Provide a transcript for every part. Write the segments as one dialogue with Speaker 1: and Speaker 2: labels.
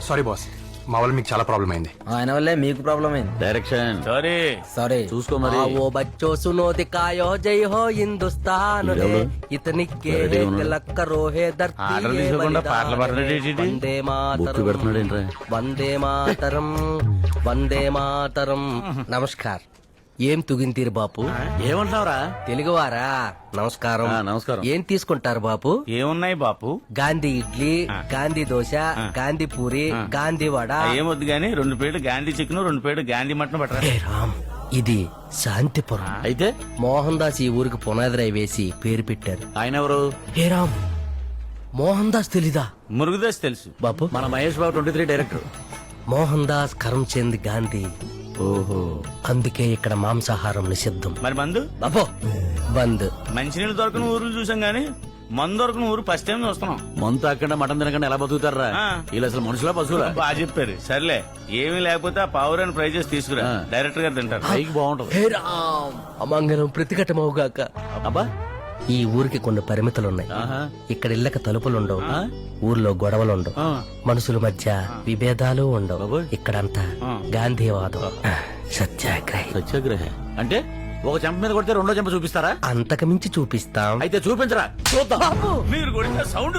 Speaker 1: Sorry boss, మా వల్ల మీకు చాలా ప్రాబ్లం అయింది.
Speaker 2: ఆయన వల్లే మీకు ప్రాబ్లం అయింది.
Speaker 3: డైరెక్షన్
Speaker 2: సారీ
Speaker 3: చూసుకో మరి.
Speaker 2: ఓ బచ్చో సునో దికాయో జై హో హిందుస్తాన్
Speaker 3: ఎవడు?
Speaker 2: ఇతని కే
Speaker 3: వెరైటీ ఉన్నాడు.
Speaker 2: తిలక్క రోహే ధర్తీ
Speaker 4: ఆర్డర్
Speaker 2: ఏ
Speaker 4: తీసుకోకుండా
Speaker 2: బలిదాన్
Speaker 4: పాటలు పాడుతున్నాడు ఏంటి?
Speaker 2: వందే
Speaker 3: బొక్కు పెడుతున్నాడు ఏంట్రా?
Speaker 2: వందే మాతరం వందే మాతరం. నమస్కార్. ఏం తుగింతీరు బాపు?
Speaker 3: ఏమంటున్నావురా?
Speaker 2: తెలుగువారా? నమస్కారం.
Speaker 3: నమస్కారం.
Speaker 2: ఏం తీసుకుంటారు బాపు?
Speaker 4: ఏమున్నాయి బాపు?
Speaker 2: గాంధీ ఇడ్లీ, గాంధీ దోశ, గాంధీ పూరి, గాంధీ వడ.
Speaker 4: ఏమొద్దు గానీ 2 ప్లేట్లు గాంధీ చికెన్, 2 ప్లేట్లు గాంధీ మటన్ పట్టరా.
Speaker 2: ఏ రామ్, ఇది శాంతిపురం.
Speaker 3: అయితే
Speaker 2: మోహన్ దాస్ ఈ ఊరికి పునాది రాయి వేసి పేరు పెట్టారు.
Speaker 3: ఆయన ఎవరు?
Speaker 2: హే రామ్, మోహన్ దాస్ తెలీదా?
Speaker 4: మురుగుదోశ తెలుసు
Speaker 2: బాపు,
Speaker 3: మన మహేష్ బాబు 23 డైరెక్టర్.
Speaker 2: మోహన్ దాస్ కరంచంద్ గాంధీ.
Speaker 3: ఓహో,
Speaker 2: అందుకే ఇక్కడ మాంసాహారం నిషిద్ధం.
Speaker 4: మరి మందు
Speaker 2: బాపు బంద్.
Speaker 4: మంచినీళ్ళు దొరకని ఊర్లు చూసాం గానీ మందు దొరకని ఊరు ఫస్ట్ టైం చూస్తున్నాం.
Speaker 3: మంతు తాకుండా మటన్ తినకుండా ఎలా బతుకుతారా?
Speaker 4: ఆ.
Speaker 3: వీళ్ళు అసలు మనుషులా పశువులా?
Speaker 4: బాగా చెప్పారు. సర్లే, ఏమీ లేకపోతే ఆ పావురాన్ని ఫ్రై చేసి తీసుకురా,
Speaker 3: ఆ.
Speaker 4: డైరెక్టర్ గారు తింటారు.
Speaker 3: పైకి బాగుంటది.
Speaker 2: హే రామ్, అమంగళం ప్రతిఘటమవుగాక.
Speaker 3: అబ్బా,
Speaker 2: ఈ ఊరికి కొన్ని పరిమితులున్నాయి.
Speaker 3: ఆహా.
Speaker 2: ఇక్కడ ఇళ్ళక తలుపులుండవు,
Speaker 3: ఆ?
Speaker 2: ఊర్లో గొడవలుండవు,
Speaker 3: ఆ.
Speaker 2: మనుషుల మధ్య విభేదాలు ఉండవు.
Speaker 3: బాబోయ్.
Speaker 2: ఇక్కడంతా
Speaker 4: ఆ.
Speaker 2: గాంధీవాదం, సత్యాగ్రహి.
Speaker 3: సత్యాగ్రహ అంటే ఒక చెంప మీద కొడితే రెండో చెంప చూపిస్తారా?
Speaker 2: అంతకు మించి చూపిస్తాం.
Speaker 3: అయితే చూపించరా, చూద్దాం.
Speaker 4: మీరు కొడితే సౌండ్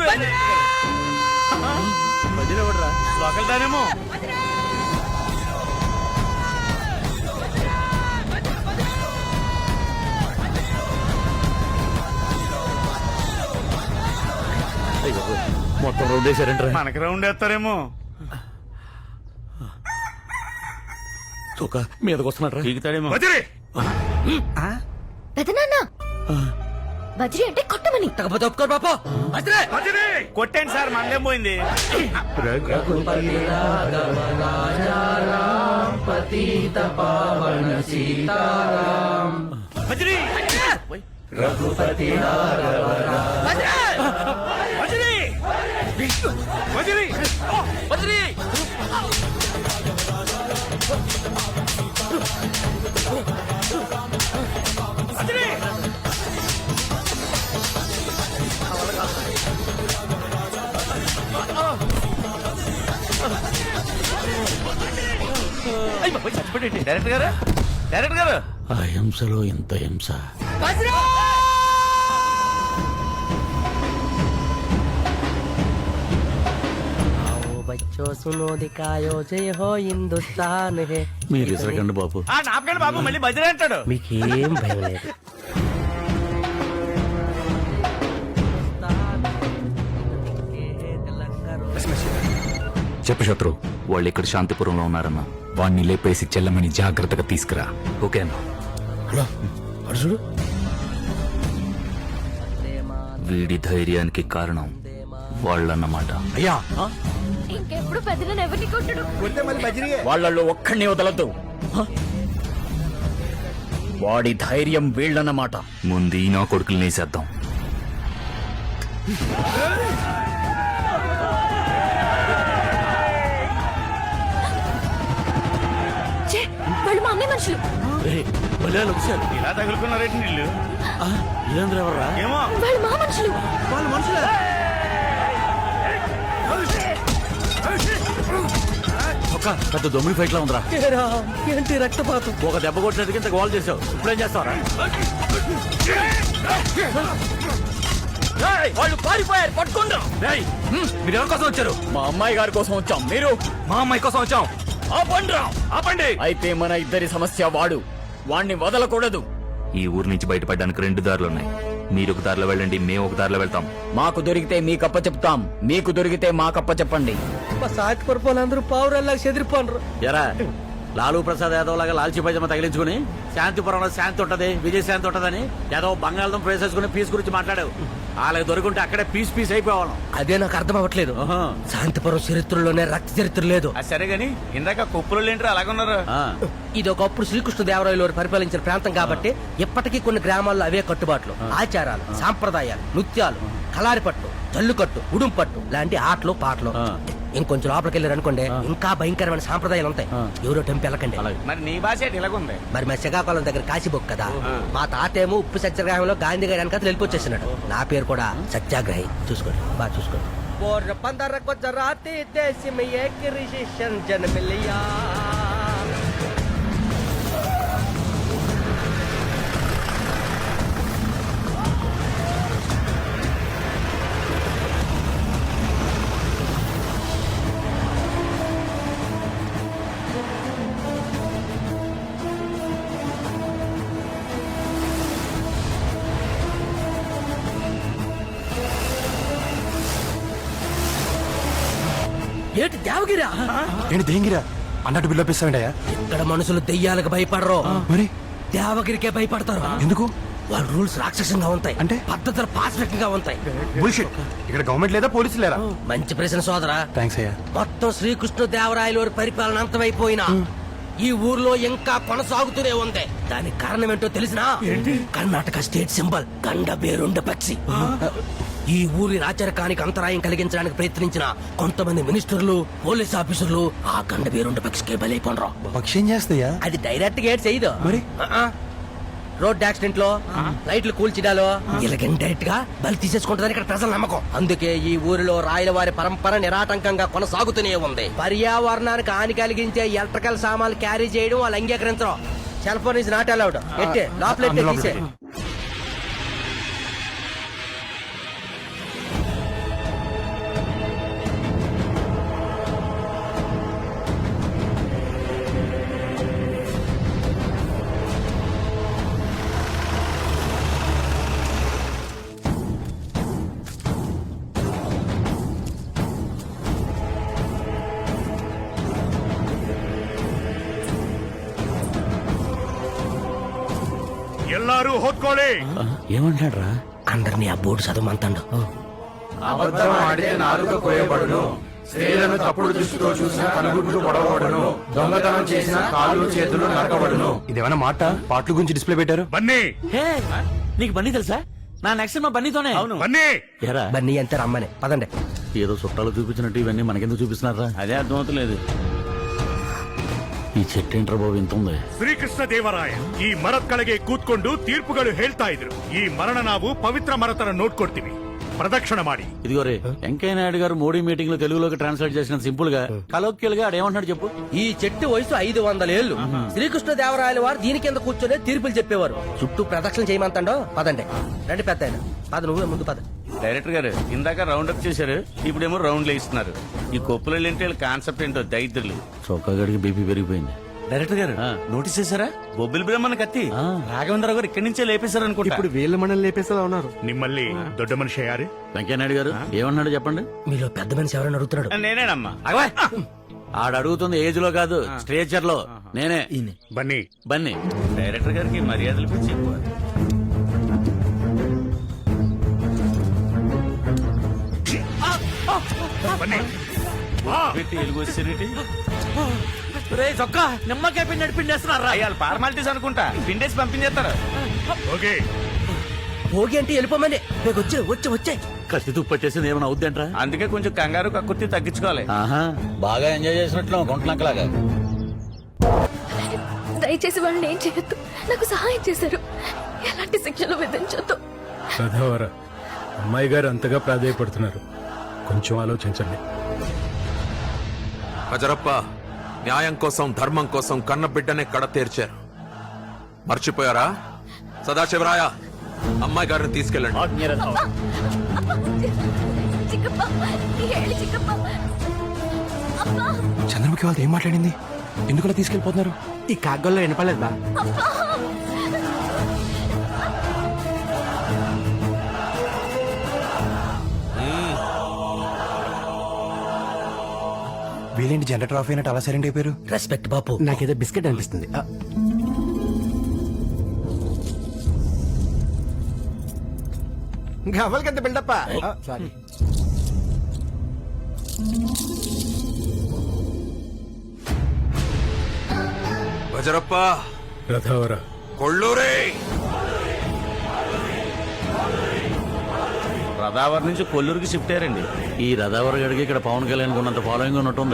Speaker 3: మధ్యలో ఎవడురా?
Speaker 4: ఒకరిదానేమో.
Speaker 3: అయ్యో, మొత్తం రౌండ్ వేసారంటారా?
Speaker 4: మనకి రౌండ్ వేస్తారేమో.
Speaker 3: చూక మీదకి వస్తున్నారా?
Speaker 4: పీకుతాడేమో.
Speaker 5: పెదనాన్న బజ్రీ అంటే కొట్టమని.
Speaker 2: తగ్గపోతే ఒప్పుకోరు బాపు.
Speaker 4: కొట్టండి సార్, మందేం పోయింది. బజ్రీ! బజ్రీ! బజ్రీ! బజ్రీ! బజ్రీ! అయ్ బాబోయ్, చచ్చిపోయాడేంటి? డైరెక్టర్ గారు, డైరెక్టర్ గారు.
Speaker 3: ఆ హింసలో ఇంత హింస.
Speaker 2: आओ बच्चों सुनो दिखायो जय हो हिंदुस्तान है.
Speaker 3: మీరు ఇసరకండి బాబు.
Speaker 4: నాపకండి బాబు, మళ్ళీ బజ్రీ అంటాడు.
Speaker 2: మీకేం భయం లేదు.
Speaker 6: చెప్పు శత్రు, వాళ్ళు ఇక్కడ శాంతిపురంలో ఉన్నారన్న. వాణ్ణి లేపేసి చెల్లమని జాగ్రత్తగా తీసుకురా, ఓకేనా? వీడి ధైర్యానికి కారణం వాళ్ళన్నమాట.
Speaker 3: అయ్యా,
Speaker 5: ఇంకెప్పుడు పెదనాన్న ఎవరిని కొట్టడు.
Speaker 3: వాళ్ళల్లో ఒక్కడిని వదలద్దు. వాడి ధైర్యం వీళ్ళన్నమాట.
Speaker 6: ముందు ఈ నా కొడుకులు నేసేద్దాం.
Speaker 5: ఛే, వాళ్ళు మా అన్నయ్య మనుషులు.
Speaker 4: ఇలా తగులుకున్నారేంటి నీళ్ళు?
Speaker 3: ఇదేంద్ర ఎవర్రా?
Speaker 4: ఏమో.
Speaker 5: వాళ్ళు మా మనుషులు.
Speaker 3: వాళ్ళ మనుషులే. ఒక పెద్ద దొమ్మిడి ఫైట్ లా ఉందిరా.
Speaker 2: హే రామ్, ఏంటి రక్తపాతం?
Speaker 3: ఒక దెబ్బ కొట్టినట్టుగా ఇంత గోల్ చేసావు. ఇప్పుడేం చేస్తావరా?
Speaker 2: వాళ్ళు పారిపోయారు, పట్టుకుంటా.
Speaker 6: మీరు ఎవరి కోసం వచ్చారు?
Speaker 3: మా అమ్మాయి గారి కోసం వచ్చాం. మీరు?
Speaker 6: మా అమ్మాయి కోసం వచ్చాం.
Speaker 3: ఆపండి. అయితే మన ఇద్దరి సమస్య వాడు. వాణ్ణి వదలకూడదు.
Speaker 6: ఈ ఊరు నుంచి బయటపడడానికి 2 దారులున్నాయి. మీరు ఒక దారిలో వెళ్ళండి, మేము ఒక దారిలో వెళ్తాం.
Speaker 3: మాకు దొరికితే మీకప్ప చెప్తాం, మీకు దొరికితే మాకప్ప చెప్పండి.
Speaker 2: మా సాటి పడిపోయినందరూ పావురాల్లాగా చెదిరిపోనరు.
Speaker 3: ఎరా, లాలూ ప్రసాద్ యాదవ్ లాగా లాల్చీ పైజమా తగిలించుకుని శాంతిపురంలో శాంతి ఉంటది, విజయ శాంతి ఉంటదని యాదవ్ బంగాళం వేసేసుకుని పీస్ గురించి మాట్లాడావు. వాళ్ళకి దొరుకుంటే అక్కడే పీస్ పీస్ అయిపోవాలి.
Speaker 2: అదే నాకు అర్థం అవ్వట్లేదు. శాంతిపురం చరిత్రలోనే రక్త చరిత్ర లేదు.
Speaker 4: అది సరే గాని ఇందాక కుప్పలు ఏంటో అలాగున్నారు.
Speaker 2: ఇది ఒకప్పుడు శ్రీకృష్ణదేవరాయలు వారు పరిపాలించిన ప్రాంతం కాబట్టి ఇప్పటికీ కొన్ని గ్రామాల్లో అవే కట్టుబాట్లు, ఆచారాలు, సాంప్రదాయాలు, నృత్యాలు, కలారిపట్టు, జల్లుకట్టు, ఉడుంపట్టు లాంటి ఆటలు పాటలు. ఇంకొంచెం లోపలికి వెళ్ళారు అనుకోండి, ఇంకా భయంకరమైన సాంప్రదాయాలు ఉంటాయి. ఎవరో టెంపు వెళ్ళకండి.
Speaker 4: మరి నీ భాష ఏంటి ఇలాగుంది?
Speaker 2: మరి మా శ్రీకాకుళం దగ్గర కాశీబొక్ కదా. మా తాతేమో ఉప్పు సత్యాగ్రహంలో గాంధీ గారి వెనకాల వెళ్ళిపోచ్చేసినాడు. నా పేరు కూడా సత్యాగ్రహి. చూసుకోండి, బాగా చూసుకోండి. और 15 को जराती देश में एक ऋषि जन्म लिया. ఏంటి దేవగిరా?
Speaker 1: ఏంటి దేంగిరా అన్నట్టు బిల్లు ఇస్తామంటయా?
Speaker 2: ఇక్కడ మనుషులు దెయ్యాలకు భయపడరు,
Speaker 1: మరి
Speaker 2: దేవగిరికే భయపడతారు.
Speaker 1: ఎందుకు?
Speaker 2: వాళ్ళ రూల్స్ రాక్షసంగా ఉంటాయి,
Speaker 1: అంటే?
Speaker 2: పద్ధతులు పాస్పెక్ట్ గా ఉంటాయి.
Speaker 1: బుల్షిట్. ఇక్కడ గవర్నమెంట్ లేదా పోలీసులు లేరా?
Speaker 2: మంచి ప్రశ్న సోదరా.
Speaker 1: థ్యాంక్స్ అయ్యా.
Speaker 2: మొత్తం శ్రీకృష్ణ దేవరాయల వారి పరిపాలన అంతమైపోయినా ఈ ఊర్లో ఇంకా కొనసాగుతూనే ఉంది. దానికి కారణం ఏంటో తెలిసినా? కర్ణాటక స్టేట్ సింబల్ గండ బేరుండ పక్షి. ఈ ఊరి రాచరికానికి అంతరాయం కలిగించడానికి ప్రయత్నించిన కొంతమంది మినిస్టర్లు, పోలీస్ ఆఫీసర్లు ఆ గండ బేరుండ పక్షికే బలైపోనరు.
Speaker 1: పక్షి ఏం చేస్తాయా?
Speaker 2: అది డైరెక్ట్ గా చేయదు.
Speaker 1: మరి?
Speaker 2: రోడ్ యాక్సిడెంట్ లో, లైట్లు కూల్చిడాలో ఇలాగ డైరెక్ట్ గా బలి తీసేసుకుంటుందని ఇక్కడ ప్రజల నమ్మకం. అందుకే ఈ ఊరిలో రాయల వారి పరంపర నిరాటంకంగా కొనసాగుతూనే ఉంది. పర్యావరణానికి హాని కలిగించే ఎలక్ట్రికల్ సామాన్లు క్యారీ చేయడం వాళ్ళు అంగీకరించరు. Cell phone is not allowed. ఎట్టే లోపలెట్టే తీసే.
Speaker 7: ಎಲ್ಲಾರು ಹೊತ್ಕೊಳ್ಳಿ.
Speaker 3: ఏమంటాడు రా?
Speaker 2: అందరినీ ఆ బోర్డు చదవమంతాడు.
Speaker 1: అబద్ధం ఆడితే నాలుక కోయబడును, స్త్రీలను తప్పుడు దృష్టితో చూసిన కనుగుడ్లు పొడవబడును, దొంగతనం చేసిన కాళ్ళు చేతులు నరకబడును. ఇదేమైనా మాట? పాటల గురించి డిస్ప్లే పెట్టారు.
Speaker 7: ಬನ್ನಿ
Speaker 3: హే, నీకు బన్నీ తెలుసా? నా నెక్స్ట్ మా బన్నీతోనే. అవును.
Speaker 7: ಬನ್ನಿ.
Speaker 3: ఎరా
Speaker 2: బన్నీ అంతే రమ్మని పదండి.
Speaker 3: ఏదో చుట్టాలు చూపించినట్టు ఇవన్నీ మనకెందుకు చూపిస్తున్నారా?
Speaker 4: అదే అర్థమవుతలేదు.
Speaker 3: ఈ చెట్టు ఏంట్రా బాబు ఇంత ఉంది?
Speaker 7: ಶ್ರೀಕೃಷ್ಣ ದೇವರಾಯ ಈ ಮರದ ಕೆಳಗೆ ಕೂತ್ಕೊಂಡು ತೀರ್ಪುಗಳು ಹೇಳ್ತಾ ಇದ್ರು. ಈ ಮರಣ ನಾವು ಪವಿತ್ರ ಮರತರ ನೋಡ್ಕೊಡ್ತೀವಿ, ಪ್ರದಕ್ಷಿಣ ಮಾಡಿ.
Speaker 3: ఇదిగో రే, వెంకయ్య నాయుడు గారు మోడీ మీటింగ్ లో తెలుగులోకి ట్రాన్స్లేట్ చేసిన సింపుల్ గా కలోక్యల్ గా ఆడేమంటున్నాడు చెప్పు.
Speaker 2: ఈ చెట్టు వయసు 500 ఏళ్లు. శ్రీకృష్ణ దేవరాయల వారు దీని కింద కూర్చొని తీర్పులు చెప్పేవారు. చుట్టూ ప్రదక్షిణ చేయమంతాడో. పదండి రండి పెద్ద ఆయన. పద, నువ్వే ముందు పద.
Speaker 4: డైరెక్టర్ గారు ఇందాక రౌండ్ అప్ చేశారు, ఇప్పుడేమో రౌండ్ ఇస్తున్నారు. ఈ కొప్పులు ఏంటి కాన్సెప్ట్ ఏంటో దైత్రులు.
Speaker 3: చౌకా గడికి బీపీ పెరిగిపోయింది.
Speaker 4: డైరెక్టర్ గారు నోటీస్ చేశారా? బొబ్బిలి బ్రహ్మణ కత్తి రాఘవేంద్ర గారు ఇక్కడి నుంచే లేపేశారు అనుకుంటా. ఇప్పుడు
Speaker 1: వీళ్ళ మనల్ని లేపేసేలా ఉన్నారు.
Speaker 7: ನಿಮ್ಮಲ್ಲಿ ದೊಡ್ಡ ಮನುಷ್ಯ ಯಾರು?
Speaker 3: వెంకయ్య నాయుడు గారు ఏమన్నాడు చెప్పండి.
Speaker 2: మీలో పెద్ద మనిషి ఎవరైనా అడుగుతున్నాడు?
Speaker 4: నేనేనమ్మా.
Speaker 3: ఆడు అడుగుతుంది ఏజ్ లో కాదు, స్ట్రేచర్ లో. నేనే
Speaker 7: ಬನ್ನಿ.
Speaker 3: బన్నీ.
Speaker 4: డైరెక్టర్ గారికి మర్యాదలు పిచ్చి ఎక్కువ.
Speaker 7: ಬನ್ನಿ.
Speaker 4: పెట్టి ఎలుగు వచ్చేటి
Speaker 3: రే చొక్కా నిమ్మకాయ పిండి నడిపిండేస్తున్నారా?
Speaker 4: అయ్యాలి ఫార్మాలిటీస్ అనుకుంటా, పిండేసి పంపించేస్తారు.
Speaker 7: ಹೋಗಿ.
Speaker 2: భోగి అంటే వెళ్ళిపోమని. వచ్చే వచ్చే వచ్చే.
Speaker 3: కత్తి తుప్పు పట్టేసింది ఏమైనా అవుద్దంట్రా?
Speaker 4: అందుకే కొంచెం కంగారు కక్కుర్తి తగ్గించుకోవాలి.
Speaker 3: ఆహా, బాగా ఎంజాయ్ చేసినట్లు గుంటలంకలాగా.
Speaker 5: దయచేసి వాళ్ళని ఏం చేయొద్దు. నాకు సహాయం చేశారు. ఎలాంటి శిక్షలు విధించొద్దు.
Speaker 8: సదావర, అమ్మాయి గారు అంతగా ప్రాధాయపడుతున్నారు, కొంచెం ఆలోచించండి.
Speaker 9: హజరప్ప న్యాయం కోసం ధర్మం కోసం కన్న బిడ్డనే కడ తీర్చారు. మర్చిపోయారా? సదాశివరాయ, అమ్మాయి గారిని తీసుకెళ్ళండి.
Speaker 5: చిక్కప్ప, ఏಳಿ చిక్కప్ప. అబ్బా,
Speaker 1: చంద్రముఖి వాళ్ళతో ఏం మాట్లాడింది? ఎందుకలా తీసుకెళ్లిపోతున్నారు? ఈ కాగ్గల్లో వినపలేదు బా. వీళ్ళేంటి జనరేటర్ ఆఫ్ అయినట్టు అలా సైలెంట్ అయిపోయారు?
Speaker 2: రెస్పెక్ట్ బాపు.
Speaker 1: నాకేదో బిస్కెట్ అనిపిస్తుంది. గవ్వలకంత బిల్డప్ప. సారీ.
Speaker 9: హజరప్ప,
Speaker 8: రథావర,
Speaker 9: కొళ్ళూరే.
Speaker 4: రదావర్ నుంచి కొల్లూరుకి షిఫ్ట్ అయ్యారండి.
Speaker 3: ఈ రథావర గడికి ఇక్కడ పవన్ కళ్యాణ్ ఉన్నంత ఫాలోయింగ్ ఉన్నట్టుంది.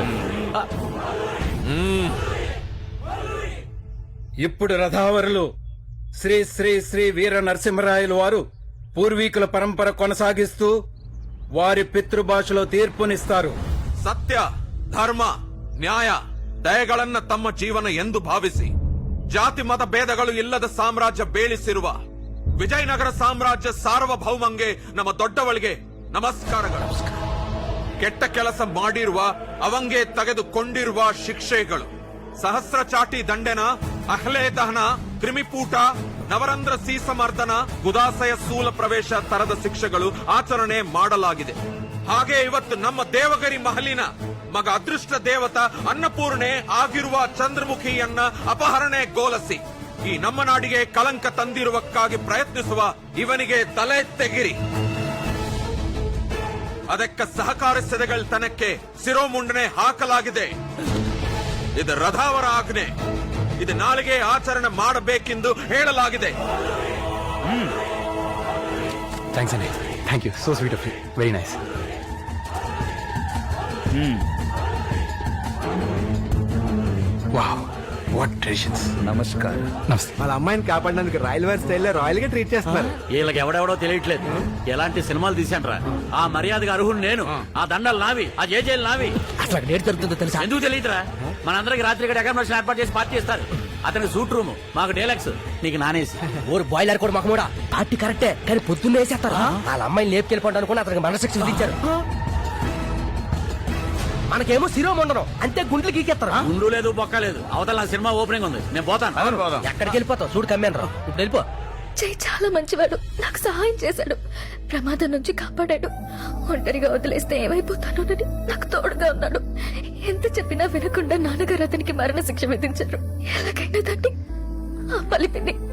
Speaker 8: ఇప్పుడు రథావరులు శ్రీ శ్రీ శ్రీ వీర నరసింహరాయలు వారు పూర్వీకుల పరంపర కొనసాగిస్తూ వారి పితృభాషలో తీర్పునిస్తారు.
Speaker 9: ಸತ್ಯ ಧರ್ಮ ನ್ಯಾಯ ದಯೆಗಳನ್ನ ತಮ್ಮ ಜೀವನ ಎಂದು ಭಾವಿಸಿ ಜಾತಿ ಮತ ಭೇದಗಳು ಇಲ್ಲದ ಸಾಮ್ರಾಜ್ಯ ಬೇಳಿಸಿರುವ ವಿಜಯನಗರ ಸಾಮ್ರಾಜ್ಯ ಸಾರ್ವಭೌಮಂಗೆ ನಮ್ಮ ದೊಡ್ಡವಳಿಗೆ ನಮಸ್ಕಾರಗಳು. ಕೆಟ್ಟ ಕೆಲಸ ಮಾಡಿರುವ ಅವಂಗೆ ತೆಗೆದುಕೊಂಡಿರುವ ಶಿಕ್ಷೆಗಳು ಸಹಸ್ರ ಚಾಟಿ ದಂಡೆನ, ಅಹ್ಲೆ ದಹನ, ಕ್ರಿಮಿಪೂಟ, ನವರಂಧ್ರ ಸೀಸಮರ್ದನ, ಗುದಾಸಯ ಸ್ಥೂಲ ಪ್ರವೇಶ ತರದ ಶಿಕ್ಷೆಗಳು ಆಚರಣೆ ಮಾಡಲಾಗಿದೆ. ಹಾಗೆ ಇವತ್ತು ನಮ್ಮ ದೇವಗಿರಿ ಮಹಲಿನ ಮಗ ಅದೃಷ್ಟ ದೇವತ ಅನ್ನಪೂರ್ಣೆ ಆಗಿರುವ ಚಂದ್ರಮುಖಿಯನ್ನ ಅಪಹರಣೆಗೊಳಿಸಿ ಈ ನಮ್ಮ ನಾಡಿಗೆ ಕಳಂಕ ತಂದಿರುವಕ್ಕಾಗಿ ಪ್ರಯತ್ನಿಸುವ ಇವನಿಗೆ ತಲೆ ತೆಗಿರಿ. ಅದಕ್ಕೆ ಸಹಕರಿಸಿದಗಳ ತನಕ್ಕೆ ಶಿರೋಮುಂಡನೆ ಹಾಕಲಾಗಿದೆ. ಇದು ರಥಾವರ ಆಜ್ಞೆ. ಇದು ನಾಳೆಗೆ ಆಚರಣೆ ಮಾಡಬೇಕೆಂದು ಹೇಳಲಾಗಿದೆ.
Speaker 1: థ్యాంక్స్ అండి. Thank you. So sweet of you. Very nice. Wow, what traditions.
Speaker 6: నమస్కారం.
Speaker 1: నమస్తే.
Speaker 10: వాళ్ళ అమ్మాయిని కాపాడడానికి రాయల్ వారి స్టైల్లో రాయల్ గా ట్రీట్ చేస్తున్నారు.
Speaker 3: వీళ్ళకి ఎవడెవడో తెలియట్లేదు. ఎలాంటి సినిమాలు తీశాంట్రా? ఆ మర్యాదగా అర్హుడు నేను, ఆ దండలు నావి, ఆ జేజేలు నావి.
Speaker 2: అసలు అక్కడ ఏడు జరుగుతుందో తెలుసా?
Speaker 3: ఎందుకు తెలియదురా? మనందరికి రాత్రి ఇక్కడ అకామిడేషన్ ఏర్పాటు చేసి పార్టీ చేస్తారు. అతనికి సూట్ రూమ్, మాకు డేలక్స్, నీకు నానేసి.
Speaker 2: ఊరు బాయిలర్ కూడా మాకు కూడా పార్టీ కరెక్టే, కానీ పొద్దున్నే వేసేస్తారు. వాళ్ళ అమ్మాయిని లేపుకెళ్ళిపోండి అనుకుని అతనికి మరణశిక్ష విధించారు. మనకేమో శిరోమండనం అంతే, గుండెలు గీకేస్తారు.
Speaker 3: గుండు లేదు, బొక్క లేదు. అవతల నా సినిమా ఓపెనింగ్ ఉంది, నేను పోతాను.
Speaker 2: ఎక్కడికి వెళ్ళిపోతావు? చూడు కమ్మాను రా, ఇప్పుడు వెళ్ళిపో.
Speaker 5: జై చాలా మంచివాడు, నాకు సహాయం చేశాడు, ప్రమాదం నుంచి కాపాడాడు. ఒంటరిగా వదిలేస్తే ఏమైపోతానోనని నాకు తోడుగా ఉన్నాడు. ఎంత చెప్పినా వినకుండా నాన్నగారు అతనికి మరణ శిక్ష విధించారు. ఎలాగైనా దాన్ని ఆ పలిపిని